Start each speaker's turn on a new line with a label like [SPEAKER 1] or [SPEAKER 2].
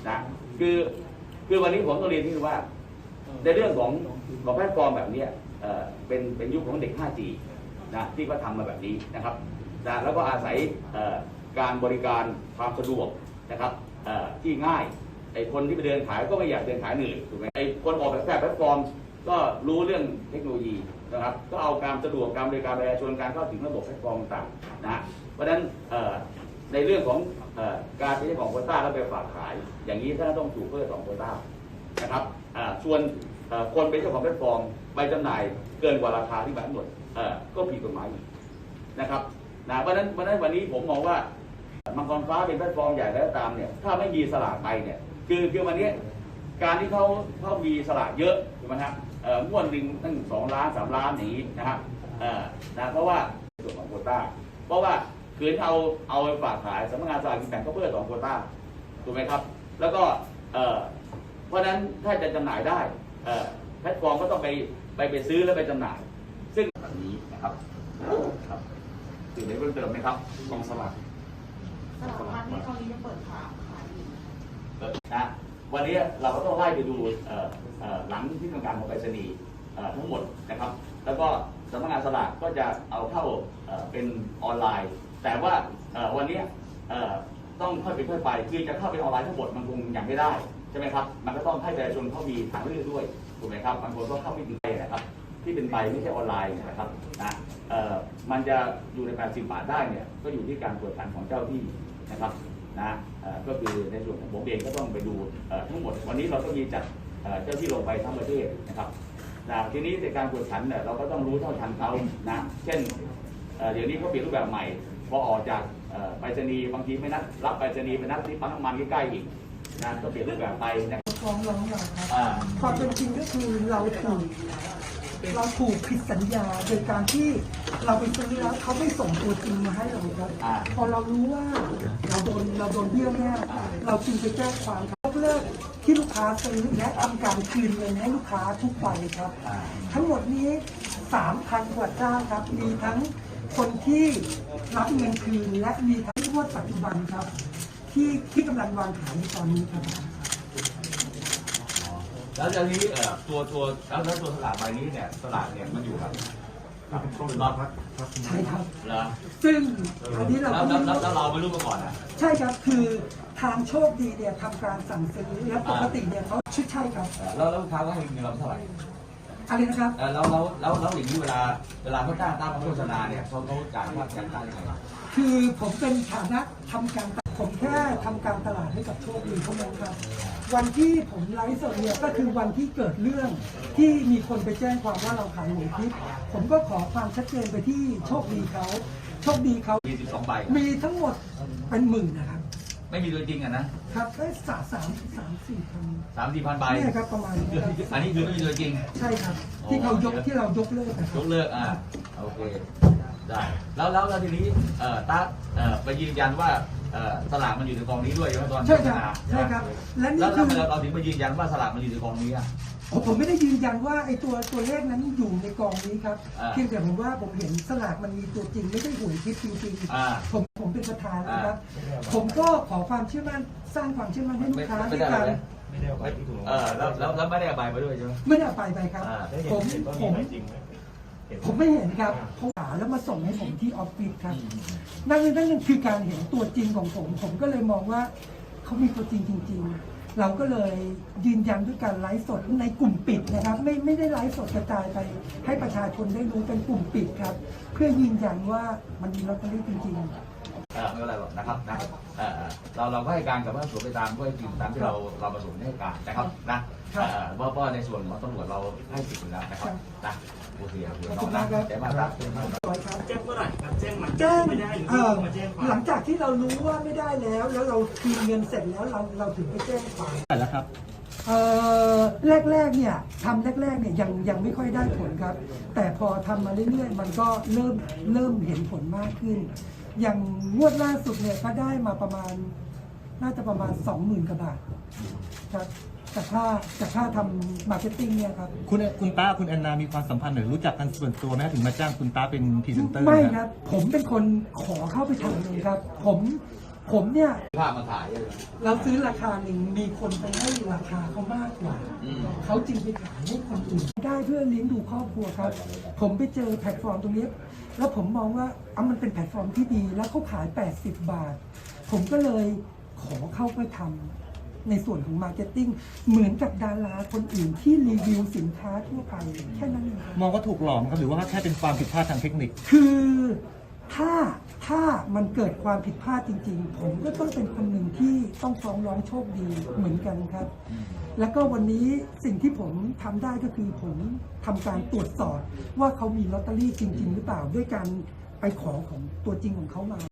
[SPEAKER 1] นะคือวันนี้ผมต้องเรียนที่ว่าในเรื่องของแพลตฟอร์มแบบนี้เป็นยุคของเด็ก 5G นะที่ก็ทำมาแบบนี้นะครับนะแล้วก็อาศัยการบริการความสะดวกนะครับที่ง่ายไอ้คนที่ไปเดินขายก็ไม่อยากเดินขายเหนื่อยถูกไหมไอ้คนออกแบบแพลตฟอร์มก็รู้เรื่องเทคโนโลยีนะครับก็เอาการสะดวกการบริการประชาชนการเข้าถึงระบบแพลตฟอร์มต่างๆนะเพราะฉะนั้นในเรื่องของการใช้ของโควต้าแล้วไปฝากขายอย่างนี้ท่านต้องถูกเพิ่ม2 โควต้านะครับส่วนคนเป็นเจ้าของแพลตฟอร์มไปจำหน่ายเกินกว่าราคาที่กำหนดก็ผิดกฎหมายนะครับนะเพราะฉะนั้นวันนี้ผมมองว่ามังกรฟ้าเป็นแพลตฟอร์มใหญ่แล้วตามเนี่ยถ้าไม่มีสลากไปเนี่ยคือวันนี้การที่เขามีสลากเยอะถูกไหมครับม้วนหนึ่งตั้ง2 ล้าน 3 ล้านอย่างนี้นะครับนะเพราะว่าส่วนของโควต้าเพราะว่าคืนเอาไปฝากขายสำนักงานสลากกินแบ่งก็เพื่อ2 โควต้าถูกไหมครับแล้วก็เพราะฉะนั้นถ้าจะจำหน่ายได้แพลตฟอร์มก็ต้องไปซื้อแล้วไปจำหน่ายซึ่งแบบนี้นะครับสื่อได้เพิ่มเติมไหมครับกองสลาก
[SPEAKER 2] ร้านนี้ตอนนี้ยังเปิดขายอยู่
[SPEAKER 1] นะวันนี้เราก็ต้องไล่ไปดูหลังที่ทำการของไปรษณีย์ทั้งหมดนะครับแล้วก็สำนักงานสลากก็จะเอาเข้าเป็นออนไลน์แต่ว่าวันนี้ต้องค่อยเป็นค่อยไปคือจะเข้าเป็นออนไลน์ทั้งหมดมันคงยังไม่ได้ใช่ไหมครับมันก็ต้องให้ประชาชนเขามีทางเลือกด้วยถูกไหมครับบางคนก็เข้าไม่ถึงไปนะครับที่เป็นใบไม่ใช่ออนไลน์นะครับนะมันจะอยู่ใน80 บาทได้เนี่ยก็อยู่ที่การตรวจสอบของเจ้าที่นะครับนะก็คือในส่วนของผมเองก็ต้องไปดูทั้งหมดวันนี้เราก็มีจัดเจ้าที่ลงไปทั้งประเทศนะครับทีนี้ในการตรวจสอบเนี่ยเราก็ต้องรู้เท่าทันเขานะเช่นเดี๋ยวนี้เขาเปลี่ยนรูปแบบใหม่พอออกจากไปรษณีย์บางทีไม่นัดรับไปรษณีย์ไปนัดที่ปั๊มน้ำมันใกล้ๆอีกนะก็เปลี่ยนรูปแบบไปนะ
[SPEAKER 2] ฟ้องร้องเราครับความเป็นจริงก็คือเราถูกผิดสัญญาโดยการที่เราไปซื้อแล้วเขาไม่ส่งตัวจริงมาให้เราครับพอเรารู้ว่าเราโดนเบี้ยวแน่เราจึงไปแจ้งความยกเลิกที่ลูกค้าซื้อและทำการคืนเงินให้ลูกค้าทุกวันครับทั้งหมดนี้ 3,000 กว่าเจ้าครับมีทั้งคนที่รับเงินคืนและมีทั้งงวดปัจจุบันครับที่กำลังวางขายในตอนนี้ครับ
[SPEAKER 1] แล้วทีนี้ตัวสลากใบนี้เนี่ยสลากเนี่ยมันอยู่กับช่วงรอบ
[SPEAKER 2] ใช่ครับ
[SPEAKER 1] เหรอ
[SPEAKER 2] ซึ่งอันนี้เรา
[SPEAKER 1] แล้วเราไม่รู้มาก่อนนะ
[SPEAKER 2] ใช่ครับคือทางโชคดีเนี่ยทำการสั่งซื้อแล้วปกติเนี่ยเขาใช่ครับ
[SPEAKER 1] แล้วลูกค้าก็ให้เงินเราเท่าไหร่
[SPEAKER 2] อะไรนะครับ
[SPEAKER 1] แล้วอย่างนี้เวลาเขาจ้างตามโฆษณาเนี่ยเขาจ่ายค่าจ้างยังไง
[SPEAKER 2] คือผมเป็นฐานะทำการผมแค่ทำการตลาดให้กับโชคดีเท่านั้นครับวันที่ผมไลฟ์สดเนี่ยก็คือวันที่เกิดเรื่องที่มีคนไปแจ้งความว่าเราขายหวยทิพย์ผมก็ขอความชัดเจนไปที่โชคดีเขา
[SPEAKER 1] มี12 ใบ
[SPEAKER 2] มีทั้งหมดเป็นหมื่นนะครับ
[SPEAKER 1] ไม่มีตัวจริงอ่ะนะครับ
[SPEAKER 2] ได้3-4 พัน
[SPEAKER 1] ใบ
[SPEAKER 2] ใช่ครับประมาณนี้
[SPEAKER 1] อันนี้คือไม่มีตัวจริง
[SPEAKER 2] ใช่ครับที่เรายกเลิก
[SPEAKER 1] ยกเลิกโอเคได้แล้วทีนี้ตาไปยืนยันว่าสลากมันอยู่ในกองนี้ด้วยใช่ไหมตอน
[SPEAKER 2] ใช่ครับ
[SPEAKER 1] และนี่คือเราถึงไปยืนยันว่าสลากมันอยู่ในกองนี้อ่ะ
[SPEAKER 2] ผมไม่ได้ยืนยันว่าไอ้ตัวเลขนั้นอยู่ในกองนี้ครับเพียงแต่ผมว่าผมเห็นสลากมันมีตัวจริงไม่ใช่หวยทิพย์จริงๆผมเป็นประธานนะครับผมก็ขอความเชื่อมั่นสร้างความเชื่อมั่นให้ลูกค้าในการ
[SPEAKER 1] ไม่ได้เอาใบที่ถูกแล้วไม่ได้เอาใบไปด้วยใช่ไหม
[SPEAKER 2] ไม่ได้เอาไปครับผมไม่เห็นครับเขาหาแล้วมาส่งให้ผมที่ออฟฟิศครับนั่นคือการเห็นตัวจริงของผมก็เลยมองว่าเขามีตัวจริงจริงๆเราก็เลยยืนยันด้วยการไลฟ์สดในกลุ่มปิดนะครับไม่ได้ไลฟ์สดกระจายไปให้ประชาชนได้รู้เป็นกลุ่มปิดครับเพื่อยืนยันว่ามันมีลอตเตอรี่จริงๆ
[SPEAKER 1] ไม่เป็นไรหรอกนะครับเราก็ให้การกับว่าสวนไปตามก็ให้จริงตามที่เราประสงค์ให้การนะครับนะว่าในส่วนของตำรวจเราให้สิทธิ์อยู่แล้วนะครับนะโอเคน้องนะแจ้งมาครับแจ้งเมื่อไหร่ครับแจ้งไม่ได้หรือมาแจ้ง
[SPEAKER 2] หลังจากที่เรารู้ว่าไม่ได้แล้วเราคืนเงินเสร็จแล้วเราถึงไปแจ้งความ
[SPEAKER 1] แล้วครับ
[SPEAKER 2] แรกเนี่ยทำแรกเนี่ยยังไม่ค่อยได้ผลครับแต่พอทำมาเรื่อยๆมันก็เริ่มเห็นผลมากขึ้นอย่างงวดล่าสุดเนี่ยก็ได้มาน่าจะประมาณ 20,000 กว่าบาทครับจากค่าทำมาร์เก็ตติ้งเนี่ยครับ
[SPEAKER 3] คุณต้าคุณแอนนามีความสัมพันธ์หรือรู้จักกันส่วนตัวไหมถึงมาจ้างคุณต้าเป็นพรีเซนเตอร์
[SPEAKER 2] ไม่ครับผมเป็นคนขอเข้าไปทำเลยครับผมผมเนี่ย
[SPEAKER 1] ภาพมาถ่ายเลย
[SPEAKER 2] เราซื้อราคาหนึ่งมีคนไปให้ราคาเขามากกว่า เขาจึงไปขายให้คนอื่นได้เพื่อเลี้ยงดูครอบครัวครับ ผมไปเจอแพลตฟอร์มตรงนี้ แล้วผมมองว่ามันเป็นแพลตฟอร์มที่ดี แล้วเขาขาย80 บาท ผมก็เลยขอเข้าไปทำในส่วนของมาร์เก็ตติ้งเหมือนกับดาราคนอื่นที่รีวิวสินค้าทั่วไปแค่นั้นเอง
[SPEAKER 3] มองว่าถูกหลอกไหมครับหรือว่าแค่เป็นความผิดพลาดทางเทคนิค
[SPEAKER 2] คือถ้ามันเกิดความผิดพลาดจริงๆ ผมก็ต้องเป็นคนหนึ่งที่ต้องฟ้องร้องโชคดีเหมือนกันครับ แล้วก็วันนี้สิ่งที่ผมทำได้ก็คือผมทำการตรวจสอบว่าเขามีลอตเตอรี่จริง ๆ หรือเปล่าด้วยการไปขอของตัวจริงของเขามา